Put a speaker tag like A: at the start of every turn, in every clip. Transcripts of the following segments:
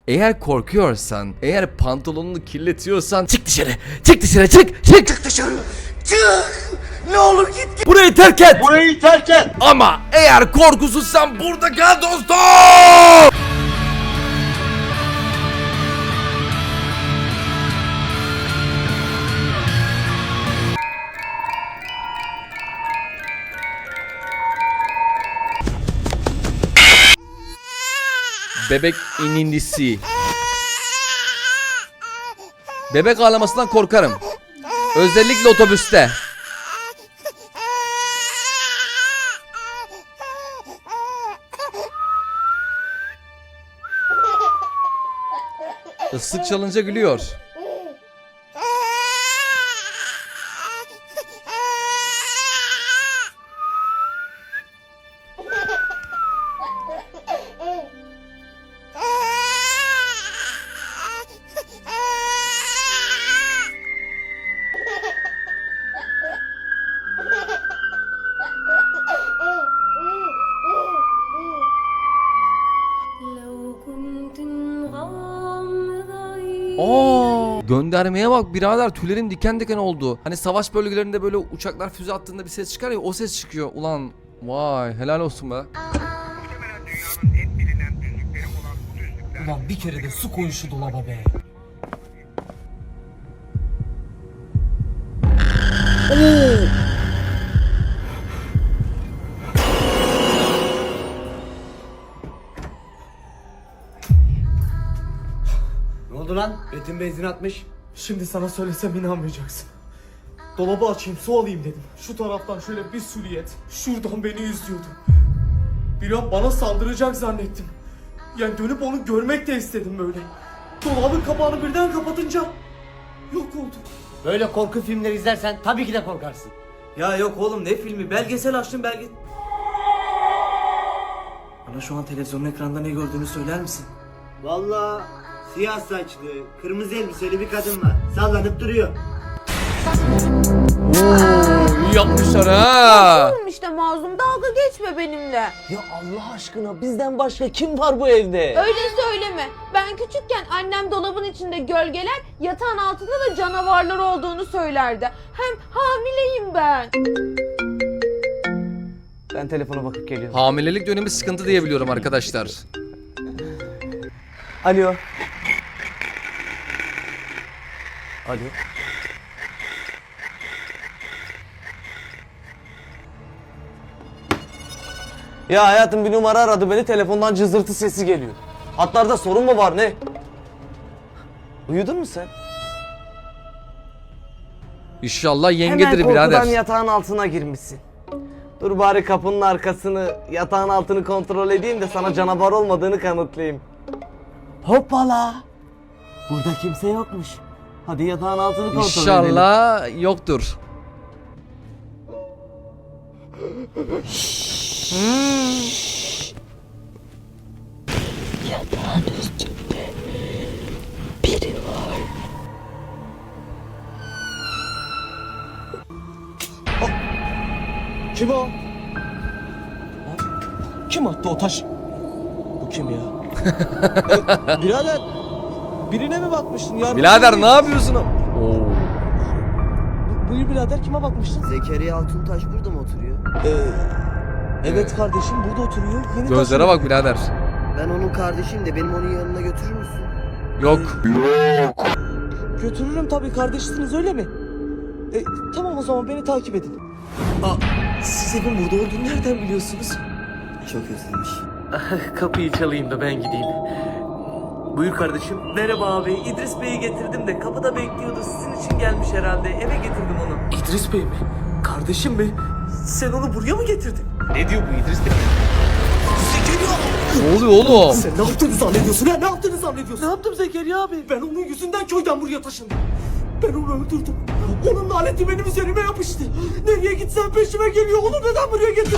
A: Eğer korkuyorsan, eğer pantolonunu kirletiyorsan çık dışarı. Çık dışarı, çık dışarı. Çık. Ne olur git. Burayı terk et.
B: Burayı terk et.
A: Ama eğer korkusuzsan burada kal dostum. Bebek inindisi. Bebek ağlamasından korkarım. Özellikle otobüste. Islık çalınca gülüyor. Göndermeye bak birader, tüylerim diken diken oldu. Hani savaş bölgelerinde böyle uçaklar füze attığında bir ses çıkar ya, o ses çıkıyor. Ulan vay, helal olsun be.
C: Ulan bir kere de su koy şu dolaba be.
B: Ne oldu lan? Betim benzin atmış.
C: Şimdi sana söylesem inanmayacaksın. Dolabı açayım, su alayım dedim. Şu taraftan şöyle bir silüet şuradan beni izliyordu. Bir an bana saldıracak zannettim. Yani dönüp onu görmek de istedim böyle. Dolabın kapağını birden kapatınca yok oldu.
B: Böyle korku filmleri izlersen tabii ki de korkarsın.
D: Ya yok oğlum, ne filmi? Belgesel açtım Bana şu an televizyonun ekranda ne gördüğünü söyler misin?
B: Vallahi siyah saçlı, kırmızı elbiseli bir kadın var. Sallanıp duruyor.
A: İyi yapmışlar ha.
E: Oğlum işte Mazlum, dalga geçme benimle.
D: Ya Allah aşkına, bizden başka kim var bu evde?
E: Öyle söyleme. Ben küçükken annem dolabın içinde gölgeler, yatağın altında da canavarlar olduğunu söylerdi. Hem hamileyim ben.
D: Ben telefona bakıp geliyorum.
A: Hamilelik dönemi sıkıntı diye biliyorum arkadaşlar.
D: Alo. Alo. Ya hayatım, bir numara aradı beni, telefondan cızırtı sesi geliyor. Hatlarda sorun mu var, ne? Uyudun mu sen?
A: İnşallah yengedir
D: Hemen korkudan
A: birader.
D: yatağın altına girmişsin. Dur bari kapının arkasını, yatağın altını kontrol edeyim de sana canavar olmadığını kanıtlayayım. Hoppala! Burada kimse yokmuş. Hadi yatağın altını kontrol edelim.
A: İnşallah yoktur.
F: Yatağın üstünde biri var.
C: Kim o? Kim attı o taş? Bu kim ya? Birader, birine mi bakmıştın ya?
A: Birader ne yapıyorsun? Oo.
C: Buyur birader, kime bakmıştın?
G: Zekeriya Altuntaş burada mı oturuyor?
C: Evet kardeşim, burada oturuyor. Yeni
A: Gözlere bak birader.
G: Ben onun kardeşiyim de benim onun yanına götürür müsün?
A: Yok.
C: Götürürüm tabii, kardeşsiniz öyle mi? Tamam, o zaman beni takip edin. Siz evin burada olduğunu nereden biliyorsunuz?
G: Çok özlemiş.
C: Kapıyı çalayım da ben gideyim. Buyur kardeşim. Merhaba abi. İdris Bey'i getirdim de kapıda bekliyordu. Sizin için gelmiş herhalde. Eve getirdim onu. İdris Bey mi? Kardeşim mi? Sen onu buraya mı getirdin? Ne diyor bu İdris Bey? Zekeriya!
A: Ne oluyor oğlum?
C: Sen ne yaptığını zannediyorsun ha? Ne yaptığını zannediyorsun? Ne yaptım Zekeriya abi? Ben onun yüzünden köyden buraya taşındım. Ben onu öldürdüm. Onun laneti benim üzerime yapıştı. Nereye gitsem peşime geliyor. Onu neden buraya getirdin?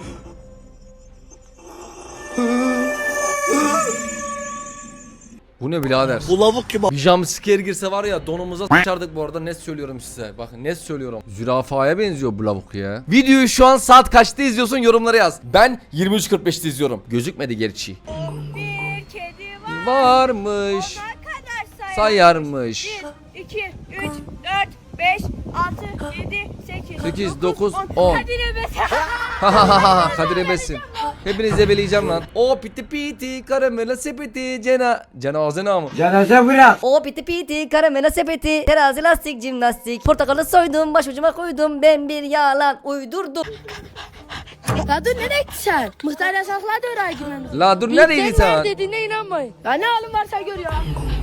A: Bu ne birader?
G: Bu lavuk kim?
A: Bir jumpscare girse var ya donumuza s**ardık bu arada, net söylüyorum size. Bakın net söylüyorum. Zürafaya benziyor bu lavuk ya. Videoyu şu an saat kaçta izliyorsun yorumlara yaz. Ben 23.45'te izliyorum. Gözükmedi gerçi.
H: Bir kedi
A: Varmış.
H: kadar
A: Sayarmış.
H: 1, 2, 3, 4, 5, 6, 7, 8,
A: 8, 9, 10.
H: Hadi nefes.
A: Kadir ebesin. Hepinize beleyeceğim lan. O piti piti karamela sepeti cenaze namı.
F: O piti piti karamela sepeti terazi lastik jimnastik portakalı soydum başucuma koydum ben bir yalan uydurdum.
I: Ya dur nereye gitsen? Muhtar yasakladı oraya girmemizi.
A: La dur neredeydin
I: Sen
A: sen?
I: dediğine inanmayın. Ya ne halin varsa gör ya.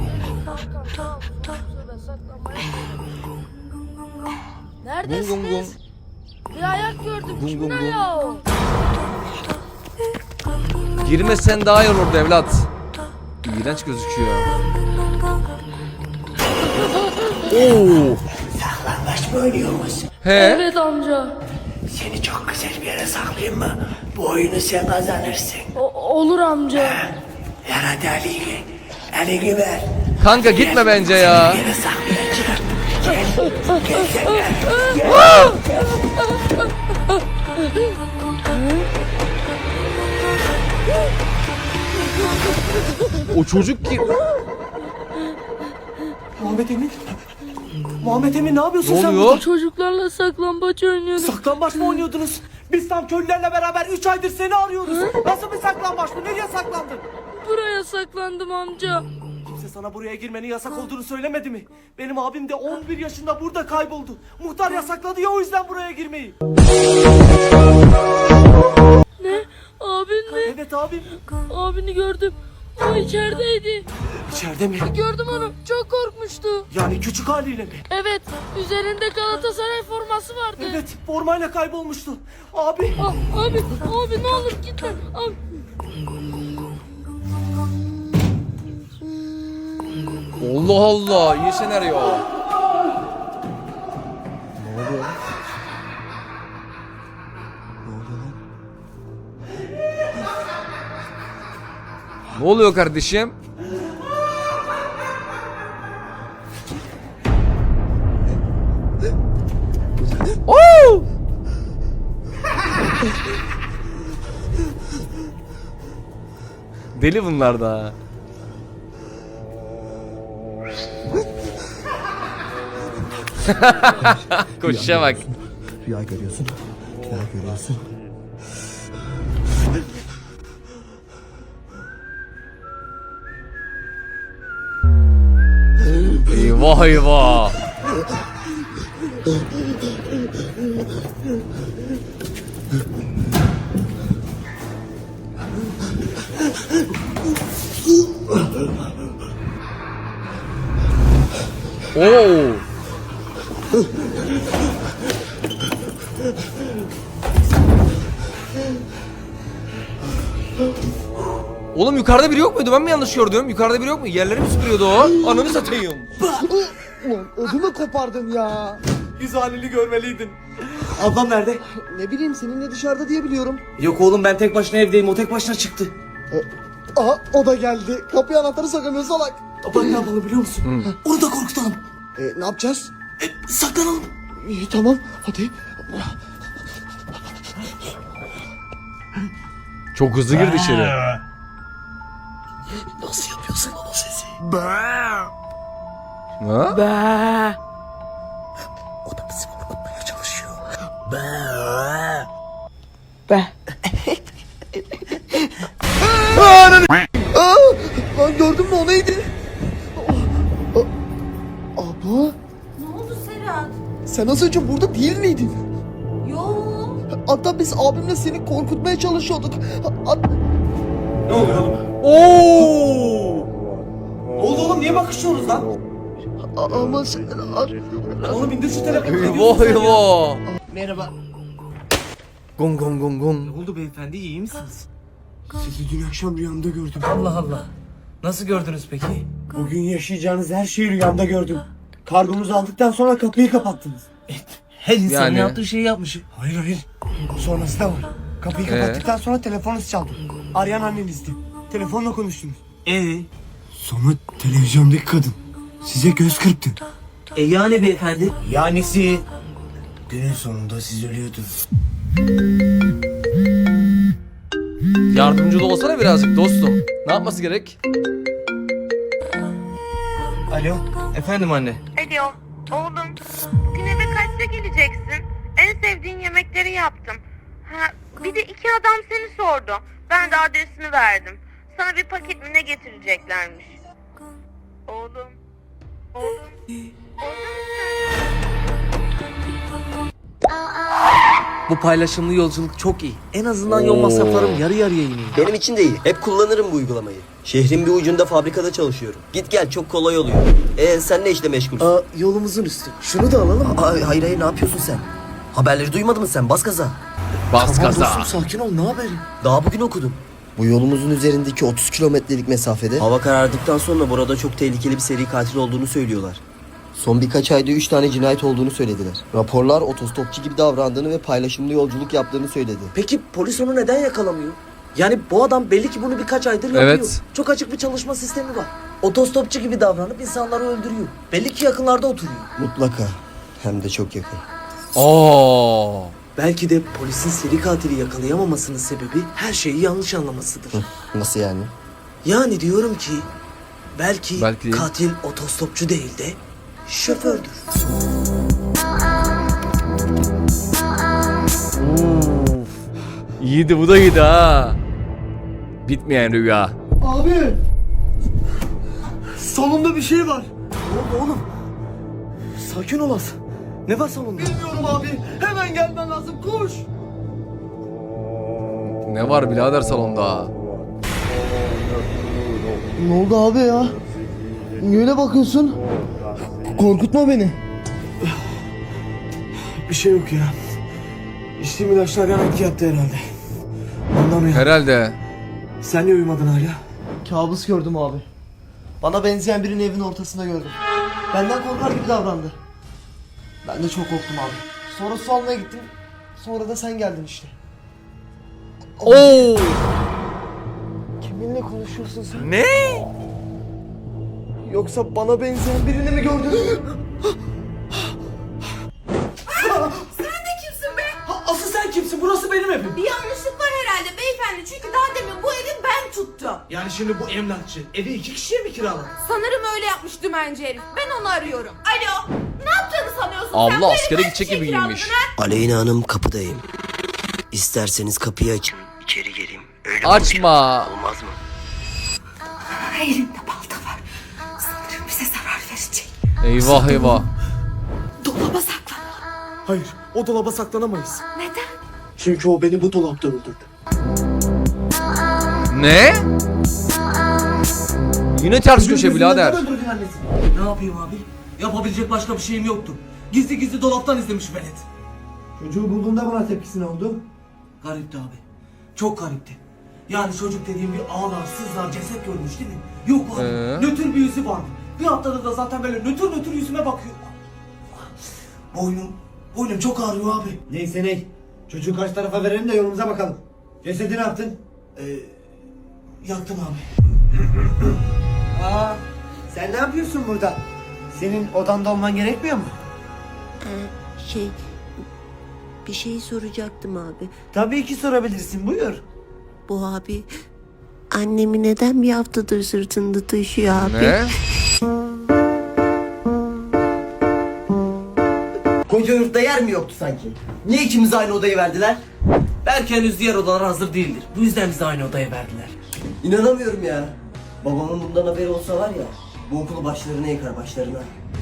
I: Neredesiniz?
A: Gum gum gum.
I: Bir ayak gördüm.
A: Gum
I: Kimin
A: gum gum.
I: ayağı o?
A: Girmesen daha iyi olurdu evlat. İğrenç gözüküyor. Oo.
B: Saklambaç mı oynuyoruz?
A: He?
I: Evet amca.
B: Seni çok güzel bir yere saklayayım mı? Bu oyunu sen kazanırsın.
I: Olur amca.
B: Ver hadi Ali'yi. Ali'yi ver.
A: Kanka gitme bence ya.
B: Yere saklayacağım. Gel sen ver.
A: O çocuk ki...
C: Muhammed Emin. Muhammed Emin ne yapıyorsun
A: Ne
C: sen
A: oluyor?
C: burada?
I: Çocuklarla saklambaç oynuyorduk.
C: Saklambaç mı oynuyordunuz? Biz tam köylülerle beraber 3 aydır seni arıyoruz. Nasıl bir saklambaç bu? Nereye saklandın?
I: Buraya saklandım amca.
C: Kimse sana buraya girmenin yasak olduğunu söylemedi mi? Benim abim de 11 yaşında burada kayboldu. Muhtar yasakladı ya o yüzden buraya girmeyi.
I: Ne? Abin mi?
C: Evet abim.
I: Abini gördüm. O içerideydi.
C: İçeride mi?
I: Gördüm onu. Çok korkmuştu.
C: Yani küçük haliyle mi?
I: Evet. Üzerinde Galatasaray forması vardı.
C: Evet formayla kaybolmuştu. Abi.
I: Abi ne olur gitme. Abi.
A: Allah Allah, iyi senaryo. Ne oluyor kardeşim? Oo! Deli bunlar da. Koşuşa bak.
G: Rüya görüyorsun. Rüya görüyorsun.
A: Eyvah eyvah. Oo. Oğlum yukarıda biri yok muydu? Ben mi yanlış gördüm? Yukarıda biri yok mu? Yerleri mi süpürüyordu o? Ananı satayım.
G: Ödümü kopardın ya.
C: Yüz halini görmeliydin. Ablam nerede?
G: Ne bileyim seninle dışarıda diye biliyorum.
C: Yok oğlum ben tek başına evdeyim. O tek başına çıktı.
G: Aha o da geldi. Kapıya anahtarı sakamıyor salak.
C: Bak ne yapalım biliyor musun? Onu da korkutalım.
G: Ne yapacağız?
C: Saklanalım.
G: İyi tamam hadi.
A: Çok hızlı girdi içeri.
G: Nasıl yapıyorsun o sesi?
A: Ha?
G: O da bizi korkutmaya çalışıyor. Lan gördün mü o neydi? Abla
E: Ne oldu Serhat?
G: sen az önce burada değil miydin?
E: Yok.
G: Hatta biz abimle seni korkutmaya çalışıyorduk.
C: Ne oluyor oğlum?
A: Oo!
C: Ne oldu oğlum? Niye bakışıyoruz lan?
G: Ama sen...
C: Oğlum indir şu telefonu. Ne
A: Eyvah
C: diyorsun sen ya?
A: eyvah.
G: Merhaba.
A: Gong gong gong gong.
C: Ne oldu beyefendi, iyi misiniz?
G: Sizi dün akşam rüyamda gördüm.
C: Allah Allah. Nasıl gördünüz peki? Bugün yaşayacağınız her şeyi rüyamda gördüm. Kargomuzu aldıktan sonra kapıyı kapattınız. Her insanın
A: Yani.
C: yaptığı şeyi yapmış. Hayır. Sonrası da var. Kapıyı kapattıktan sonra telefonunuz çaldı. Arayan annenizdi. Telefonla konuştunuz.
B: Sonra televizyondaki kadın size göz kırptı.
D: Yani beyefendi?
B: Yanisi günün sonunda siz ölüyordunuz.
A: Yardımcı da olsana birazcık dostum. Ne yapması gerek?
D: Alo, efendim anne.
E: Alo, oğlum. Bugün eve kaçta geleceksin? En sevdiğin yemekleri yaptım. Ha, bir de 2 adam seni sordu. Ben de adresini verdim. Sana bir paket mi ne getireceklermiş? Oğlum. Oğlum.
D: Bu paylaşımlı yolculuk çok iyi. En azından yol masraflarım yarı yarıya iniyor.
J: Benim için de iyi. Hep kullanırım bu uygulamayı. Şehrin bir ucunda fabrikada çalışıyorum. Git gel çok kolay oluyor. Sen ne işle meşgulsün?
G: Yolumuzun üstü. Şunu da alalım.
J: Hayır ne yapıyorsun sen? Haberleri duymadın mı sen? Bas gaza.
A: Bas gaza.
G: Sakin ol, ne haberi?
J: Daha bugün okudum. Bu yolumuzun üzerindeki 30 kilometrelik mesafede hava karardıktan sonra burada çok tehlikeli bir seri katil olduğunu söylüyorlar. Son birkaç ayda 3 tane cinayet olduğunu söylediler. Raporlar otostopçu gibi davrandığını ve paylaşımlı yolculuk yaptığını söyledi.
D: Peki polis onu neden yakalamıyor? Yani bu adam belli ki bunu birkaç aydır yapıyor.
A: Evet.
D: Çok açık bir çalışma sistemi var. Otostopçu gibi davranıp insanları öldürüyor. Belli ki yakınlarda oturuyor.
J: Mutlaka. Hem de çok yakın.
A: Oo.
D: Belki de polisin seri katili yakalayamamasının sebebi her şeyi yanlış anlamasıdır.
J: Nasıl yani?
D: Yani diyorum ki belki
A: Belki-
D: katil otostopçu değil de şofördür.
A: İyiydi, bu da iyiydi ha. Bitmeyen rüya.
G: Abi! Salonda bir şey var.
D: Ne oldu oğlum? Sakin ol az. Ne var salonda?
G: Bilmiyorum abi. Hemen gelmen lazım. Koş.
A: Ne var birader salonda?
G: Ne oldu abi ya? Niye öyle bakıyorsun? Korkutma beni.
C: Bir şey yok ya. İçtiğim ilaçlar yan etki yaptı herhalde. Anlamıyorum.
A: Herhalde.
C: Sen niye uyumadın hala?
G: Kabus gördüm abi. Bana benzeyen birini evin ortasında gördüm. Benden korkar gibi davrandı. Ben de çok korktum abi. Sonra su almaya gittim. Sonra da sen geldin işte.
A: Oo.
G: Kiminle konuşuyorsun sen?
A: Ne?
G: Yoksa bana benzeyen birini mi gördün?
H: Sen de kimsin be?
C: Asıl sen kimsin? Burası benim evim.
H: Bir yanlışlık var herhalde beyefendi. Çünkü daha demin bu evi ben tuttum.
C: Yani şimdi bu emlakçı evi 2 kişiye mi kiraladı?
H: Sanırım öyle yapmış dümenci herif. Ben onu arıyorum. Alo. Ne yaptığını sanıyorsun sen?
A: Abla
H: Bu evi
A: askere
H: kaç
A: gidecek
H: kişiye
A: gibi
H: kiraladın
A: giyinmiş.
H: ha?
J: Aleyna Hanım kapıdayım. İsterseniz kapıyı açın. İçeri geleyim. Öyle
A: Açma.
J: olmaz mı?
H: Elinde balta var. Sanırım bize zarar verecek.
A: Eyvah eyvah.
H: Dolaba saklan.
C: Hayır, o dolaba saklanamayız.
H: Neden?
C: Çünkü o beni bu dolapta öldürdü.
A: Ne? Yine ters köşe birader.
D: Ne yapayım abi? Yapabilecek başka bir şeyim yoktu. Gizli gizli dolaptan izlemiş velet.
B: Çocuğu bulduğunda buna tepkisi ne oldu?
D: Garipti abi. Çok garipti. Yani çocuk dediğim bir ağlar, sızlar, ceset görmüş değil mi? Yok abi. Nötr bir yüzü vardı. Bir haftadır da zaten böyle nötr yüzüme bakıyor. Boynum çok ağrıyor abi.
B: Neyse ney. Çocuğu kaç tarafa verelim de yolumuza bakalım. Cesedi ne yaptın?
D: Yaktım abi.
B: Aa, sen ne yapıyorsun burada? Senin odanda olman gerekmiyor mu?
K: Bir şey soracaktım abi.
B: Tabii ki sorabilirsin, buyur.
K: Bu abi annemi neden bir haftadır sırtında taşıyor abi?
A: Ne?
J: Koca yurtta yer mi yoktu sanki? Niye ikimize aynı odayı verdiler?
D: Belki henüz diğer odalar hazır değildir. Bu yüzden bizi aynı odaya verdiler.
J: İnanamıyorum ya. Babamın bundan haberi olsa var ya, bu okulu başlarına yıkar başlarına.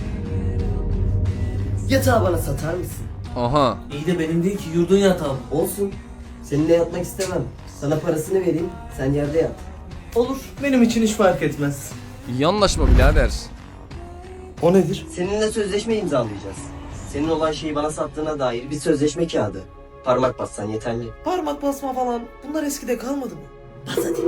J: Yatağı bana satar mısın?
A: Aha.
D: İyi de benim değil ki yurdun yatağı.
J: Olsun. Seninle yatmak istemem. Sana parasını vereyim, sen yerde yat.
D: Olur. Benim için hiç fark etmez.
A: İyi anlaşma birader.
C: O nedir?
J: Seninle sözleşme imzalayacağız. Senin olan şeyi bana sattığına dair bir sözleşme kağıdı. Parmak bassan yeterli.
D: Parmak basma falan. Bunlar eskide kalmadı mı?
J: Bas hadi.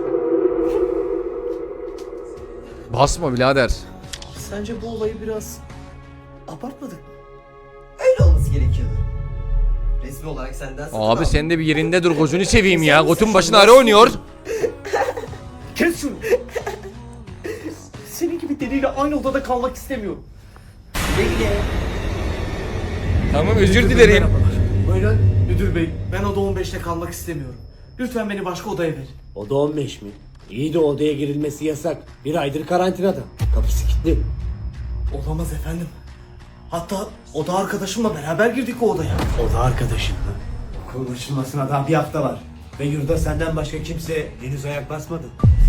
A: Basma birader.
D: Sence bu olayı biraz abartmadık mı?
J: Öyle olması gerekiyordu. Resmi olarak senden satın
A: Abi
J: aldım.
A: sen de bir yerinde dur, gözünü seveyim ya. Gotun başına ara oynuyor.
C: Kes şunu. biriyle aynı odada kalmak istemiyorum.
A: Tamam, özür
C: Müdür bey,
A: dilerim.
C: merhabalar. Buyurun. Müdür bey, ben oda 15'te kalmak istemiyorum. Lütfen beni başka odaya verin.
B: Oda 15 mi? İyi de odaya girilmesi yasak. Bir aydır karantinada. Kapısı kilitli.
C: Olamaz efendim. Hatta oda arkadaşımla beraber girdik o odaya.
B: Oda arkadaşın mı? Okul açılmasına daha bir hafta var. Ve yurda senden başka kimse henüz ayak basmadı.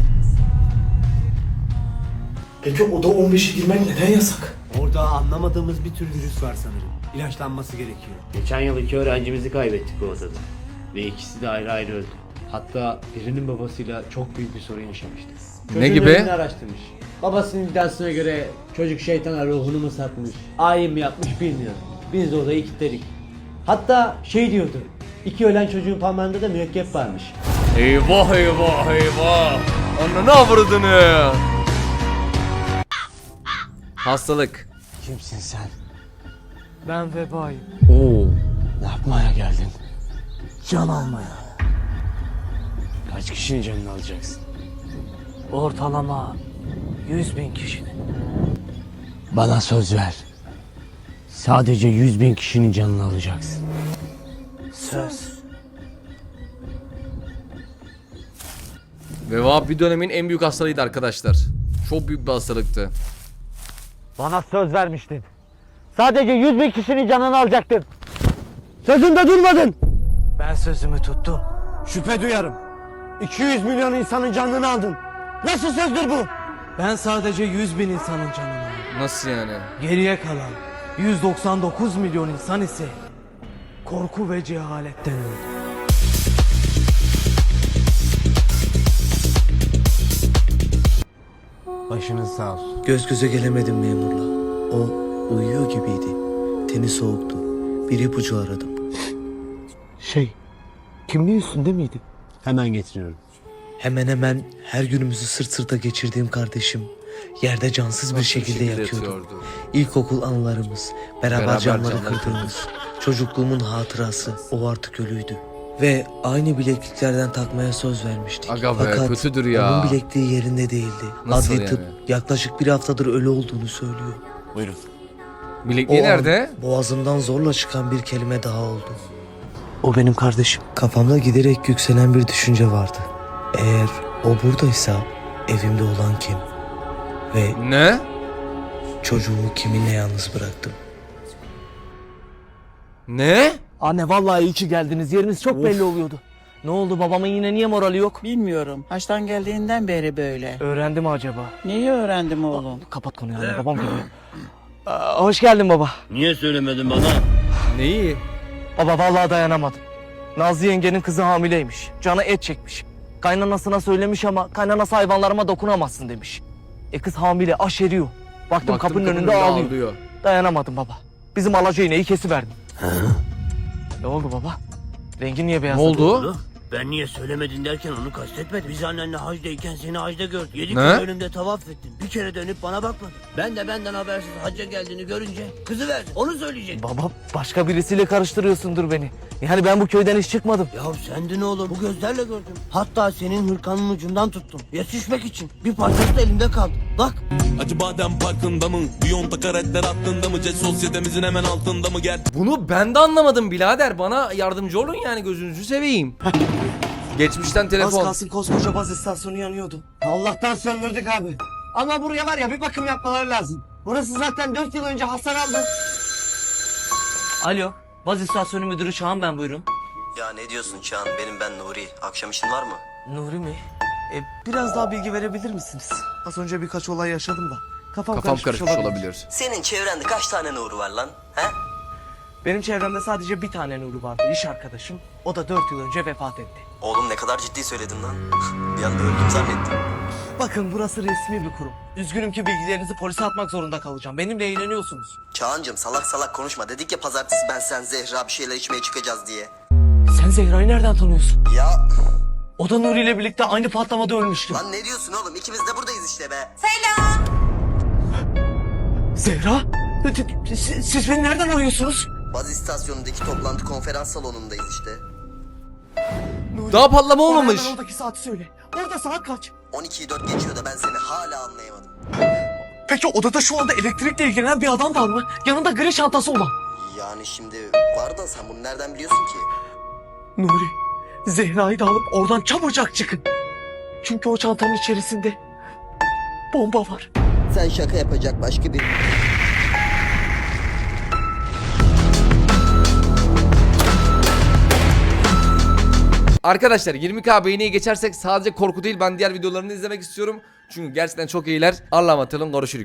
C: Peki oda 15'e girmek neden yasak?
B: Orada anlamadığımız bir tür virüs var sanırım. İlaçlanması gerekiyor. Geçen yıl 2 öğrencimizi kaybettik o odada. Ve ikisi de ayrı ayrı öldü. Hatta birinin babasıyla çok büyük bir sorun yaşamıştı.
A: Ne gibi?
B: ölümünü araştırmış. Babasının iddiasına göre çocuk şeytana ruhunu mu satmış, ayin mi yapmış bilmiyorum. Biz de odayı kilitledik. Hatta şey diyordu, 2 ölen çocuğun parmağında da mürekkep varmış.
A: Eyvah eyvah eyvah. Ananı avradını. Hastalık.
B: Kimsin sen?
C: Ben vebayım.
A: Oo.
B: Ne yapmaya geldin? Can almaya. Kaç kişinin canını alacaksın?
D: Ortalama 100.000 kişinin.
B: Bana söz ver. Sadece 100.000 kişinin canını alacaksın.
D: Söz.
A: Veba bir dönemin en büyük hastalığıydı arkadaşlar. Çok büyük bir hastalıktı.
D: Bana söz vermiştin. Sadece 100.000 kişinin canını alacaktın. Sözünde durmadın. Ben sözümü tuttum. Şüphe duyarım. 200 milyon insanın canını aldın. Nasıl sözdür bu? Ben sadece 100.000 insanın canını aldım.
A: Nasıl yani?
D: Geriye kalan 199 milyon insan ise korku ve cehaletten öldü.
B: Başınız sağ olsun.
J: Göz göze gelemedim memurla. O uyuyor gibiydi. Teni soğuktu. Bir ipucu aradım.
D: Kimliği üstünde miydi?
B: Hemen getiriyorum.
J: Hemen hemen her günümüzü sırt sırta geçirdiğim kardeşim yerde cansız bir şekilde yatıyordu. İlkokul anılarımız, beraber camları kırdığımız, çocukluğumun hatırası, o artık ölüydü. Ve aynı bilekliklerden takmaya söz vermiştik.
A: Aga be,
J: Fakat
A: kötüdür ya.
J: onun bilekliği yerinde değildi.
A: Nasıl
J: Adli
A: yani?
J: tıp yaklaşık bir haftadır ölü olduğunu söylüyor.
B: Buyurun.
A: Bilekliği
J: O
A: nerede?
J: an boğazımdan zorla çıkan bir kelime daha oldu.
D: O benim kardeşim.
J: Kafamda giderek yükselen bir düşünce vardı. Eğer o buradaysa evimde olan kim? Ve
A: Ne?
J: çocuğumu kiminle yalnız bıraktım?
A: Ne?
D: Anne vallahi iyi ki geldiniz. Yeriniz çok belli oluyordu. Ne oldu, babamın yine niye morali yok?
L: Bilmiyorum. Haçtan geldiğinden beri böyle.
D: Öğrendi mi acaba?
L: Neyi öğrendim oğlum?
D: Kapat konuyu anne, babam geliyor. Hoş geldin baba.
B: Niye söylemedin bana?
A: Neyi?
D: Baba vallahi dayanamadım. Nazlı yengenin kızı hamileymiş. Canı et çekmiş. Kaynanasına söylemiş ama kaynanası hayvanlarıma dokunamazsın demiş. Kız hamile, aşeriyor. Baktım kapının önünde ağlıyor. Dayanamadım baba. Bizim alaca iğneyi kesiverdim. Ne oldu baba? Rengi niye
A: Ne
D: beyazladı?
A: oldu?
B: Ben niye söylemedin derken onu kastetmedim. Biz annenle hacdayken seni hacda gördük. 7
A: Ne?
B: kere önümde tavaf ettin. Bir kere dönüp bana bakmadın. Ben de benden habersiz hacca geldiğini görünce kızı verdim. Onu söyleyecek.
D: Baba başka birisiyle karıştırıyorsundur beni. Yani ben bu köyden hiç çıkmadım.
B: Ya sendin oğlum. Bu gözlerle gördüm. Hatta senin hırkanın ucundan tuttum. Yetişmek için. Bir parçası da elimde kaldı. Bak.
M: Acıbadem Parkı'nda mı? Biyonta karetler hattında mı? Jet sosyetemizin hemen altında mı? Gel.
A: Bunu ben de anlamadım birader. Bana yardımcı olun yani, gözünüzü seveyim. Geçmişten telefon.
G: Az kalsın koskoca baz istasyonu yanıyordu. Allah'tan söndürdük abi. Ama buraya var ya bir bakım yapmaları lazım. Burası zaten 4 yıl önce hasar aldı.
D: Alo, baz istasyonu müdürü Çağan ben, buyurun.
J: Ya ne diyorsun Çağan? Ben Nuri. Akşam işin var mı?
D: Nuri mi? Biraz daha bilgi verebilir misiniz? Az önce birkaç olay yaşadım da. Kafam
A: Karışmış olabilir.
J: Senin çevrende kaç tane Nuri var lan? He?
D: Benim çevremde sadece bir tane Nuri vardı, iş arkadaşım. O da 4 yıl önce vefat etti.
J: Oğlum ne kadar ciddi söyledin lan. Bir anda öldüm zannettim.
D: Bakın burası resmi bir kurum. Üzgünüm ki bilgilerinizi polise atmak zorunda kalacağım. Benimle eğleniyorsunuz.
J: Çağancığım salak salak konuşma. Dedik ya pazartesi ben sen Zehra bir şeyler içmeye çıkacağız diye.
D: Sen Zehra'yı nereden tanıyorsun?
J: Ya
D: O da Nuri ile birlikte aynı patlamada ölmüştü.
J: lan ne diyorsun oğlum? İkimiz de buradayız işte be.
D: Zehra? Siz beni nereden arıyorsunuz?
J: Baz istasyonundaki toplantı konferans salonundayız işte.
A: Daha patlama
D: Bana
A: olmamış.
D: hemen oradaki saati söyle. Orada saat kaç?
J: 12'yi 4 geçiyor da ben seni hala anlayamadım.
C: Peki odada şu anda elektrikle ilgilenen bir adam var mı? Yanında gri çantası olan.
J: Yani şimdi var da sen bunu nereden biliyorsun ki?
C: Nuri, Zehra'yı da alıp oradan çabucak çıkın. Çünkü o çantanın içerisinde bomba var.
J: Sen şaka yapacak başka bir...
A: Arkadaşlar 20k beğeniye geçersek sadece korku değil ben diğer videolarını izlemek istiyorum. Çünkü gerçekten çok iyiler. Allah'a emanet olun, görüşürüz.